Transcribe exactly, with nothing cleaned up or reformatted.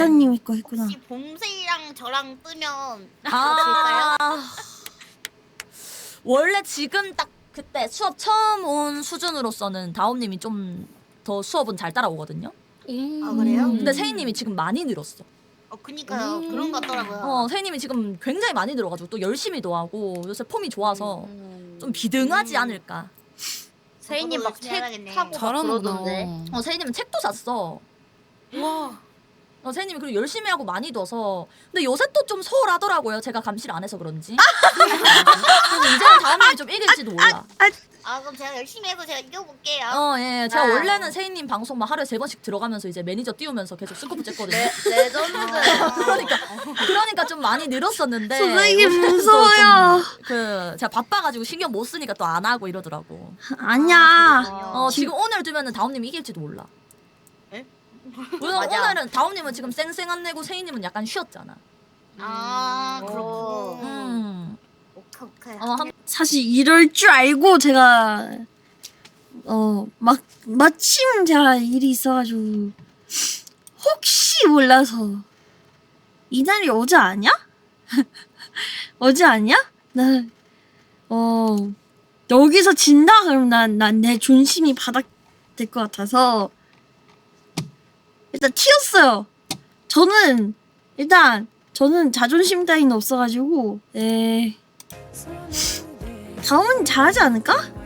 사장님이 거 했구나. 혹시 봄새랑 저랑 뜨면 아 될까요? 원래 지금 딱 그때 수업 처음 온 수준으로서는 다옴님이 좀 더 수업은 잘 따라오거든요. 아 그래요? 근데 세희님이 지금 많이 늘었어. 어 그니까요. 음. 그런 것 같더라고요. 어 세희님이 지금 굉장히 많이 늘어가지고 또 열심히도 하고 요새 폼이 좋아서 좀 비등하지 않을까. 세인님 막 열심히 책 해야겠네. 사고 막 잘하는구나. 그러던데. 어 세희님은 책도 샀어. 와. 어, 세희님이 그리고 열심히 하고 많이 둬서 근데 요새 또 좀 소홀하더라고요. 제가 감시를 안 해서 그런지. 그래서 이제는 다음에 좀 이길지도 몰라. 아 그럼 제가 열심히 해서 제가 이겨볼게요. 어, 예. 제가 아. 원래는 세희님 방송 막 하루에 세 번씩 들어가면서 이제 매니저 띄우면서 계속 스코프 쬐거든요. 레, 레전드. 그러니까 그러니까 좀 많이 늘었었는데 선생님 요새는 또 무서워요. 좀 그 제가 바빠가지고 신경 못 쓰니까 또 안 하고 이러더라고. 아니야. 어 지금 오늘 두면은 다옴님 이길지도 몰라. 에? 오늘, 맞아. 오늘은 다옴님은 지금 쌩쌩 안 내고 세희님은 약간 쉬었잖아. 아 음. 그렇고. 음. 오케이 오케이. 어, 한, 사실 이럴 줄 알고 제가 어 막 마침 제가 일이 있어가지고 혹시 몰라서 이날이 어제 아니야? 어제 아니야? 나 어 여기서 진다 그럼 난 난 내 존심이 바닥 될 것 같아서 일단 튀었어요. 저는 일단 저는 자존심 따위는 없어가지고 에 다음은 잘하지 않을까?